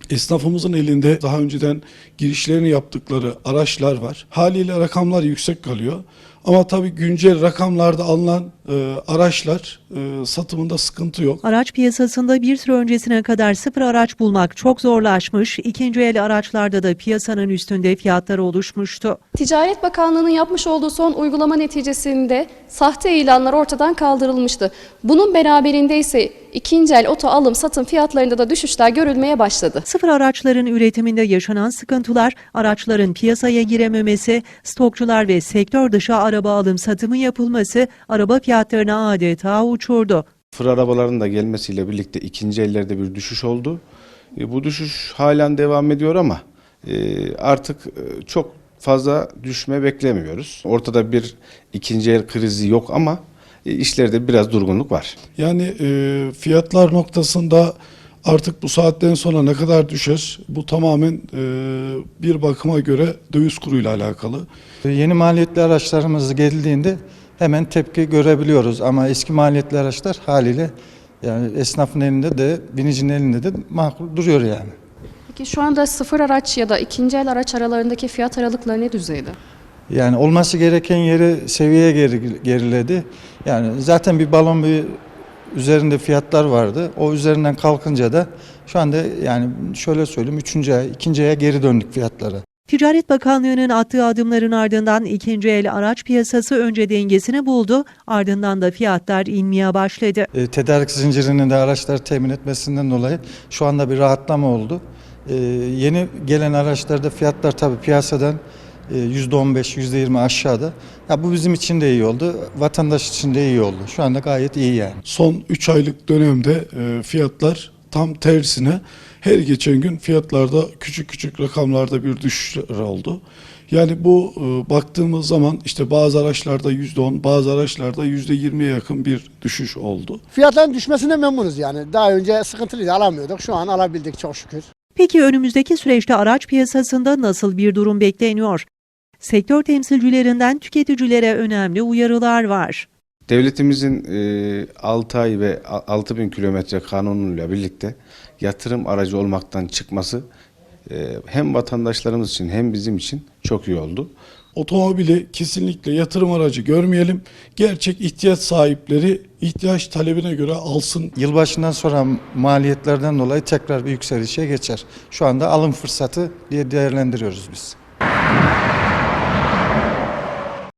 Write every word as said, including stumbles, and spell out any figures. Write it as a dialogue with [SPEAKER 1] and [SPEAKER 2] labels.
[SPEAKER 1] Esnafımızın elinde daha önceden girişlerini yaptıkları araçlar var. Haliyle rakamlar yüksek kalıyor. Ama tabii güncel rakamlarda alınan e, araçlar e, satımında sıkıntı yok.
[SPEAKER 2] Araç piyasasında bir süre öncesine kadar sıfır araç bulmak çok zorlaşmış, ikinci el araçlarda da piyasanın üstünde fiyatlar oluşmuştu.
[SPEAKER 3] Ticaret Bakanlığı'nın yapmış olduğu son uygulama neticesinde sahte ilanlar ortadan kaldırılmıştı. Bunun beraberinde ise ikinci el oto alım satım fiyatlarında da düşüşler görülmeye başladı.
[SPEAKER 2] Sıfır araçların üretiminde yaşanan sıkıntılar, araçların piyasaya girememesi, stokçular ve sektör dışı araba alım satımı yapılması araba fiyatlarını adeta uçurdu.
[SPEAKER 4] Sıfır arabaların da gelmesiyle birlikte ikinci ellerde bir düşüş oldu. E, bu düşüş halen devam ediyor ama e, artık e, çok fazla düşme beklemiyoruz. Ortada bir ikinci el krizi yok ama e, işlerde biraz durgunluk var.
[SPEAKER 1] Yani e, fiyatlar noktasında artık bu saatten sonra ne kadar düşer? Bu tamamen e, bir bakıma göre döviz kuruyla alakalı.
[SPEAKER 5] Yeni maliyetli araçlarımız geldiğinde hemen tepki görebiliyoruz ama eski maliyetli araçlar haliyle yani esnafın elinde de binicinin elinde de makul duruyor yani.
[SPEAKER 3] Peki şu anda sıfır araç ya da ikinci el araç aralarındaki fiyat aralıkları ne düzeyde?
[SPEAKER 5] Yani olması gereken yere seviyeye geri, geriledi. Yani zaten bir balon bir üzerinde fiyatlar vardı. O üzerinden kalkınca da şu anda yani şöyle söyleyeyim üçüncü ay, ikinci aya geri döndük fiyatlara.
[SPEAKER 2] Ticaret Bakanlığı'nın attığı adımların ardından ikinci el araç piyasası önce dengesini buldu, ardından da fiyatlar inmeye başladı.
[SPEAKER 5] E, tedarik zincirinin de araçları temin etmesinden dolayı şu anda bir rahatlama oldu. E, yeni gelen araçlarda fiyatlar tabii piyasadan e, yüzde on beş yüzde yirmi aşağıda. Ya bu bizim için de iyi oldu, vatandaş için de iyi oldu. Şu anda gayet iyi yani.
[SPEAKER 1] Son üç aylık dönemde e, fiyatlar tam tersine her geçen gün fiyatlarda küçük küçük rakamlarda bir düşüşler oldu. Yani bu e, baktığımız zaman işte bazı araçlarda yüzde on, bazı araçlarda yüzde yirmiye yakın bir düşüş oldu.
[SPEAKER 6] Fiyatların düşmesine memnunuz yani. Daha önce sıkıntılıydı, alamıyorduk. Şu an alabildik çok şükür.
[SPEAKER 2] Peki önümüzdeki süreçte araç piyasasında nasıl bir durum bekleniyor? Sektör temsilcilerinden tüketicilere önemli uyarılar var.
[SPEAKER 4] Devletimizin e, altı ay ve altı bin kilometre kanunuyla birlikte yatırım aracı olmaktan çıkması e, hem vatandaşlarımız için hem bizim için çok iyi oldu.
[SPEAKER 1] Otomobili kesinlikle yatırım aracı görmeyelim. Gerçek ihtiyaç sahipleri ihtiyaç talebine göre alsın.
[SPEAKER 5] Yılbaşından sonra maliyetlerden dolayı tekrar bir yükselişe geçer. Şu anda alım fırsatı diye değerlendiriyoruz biz.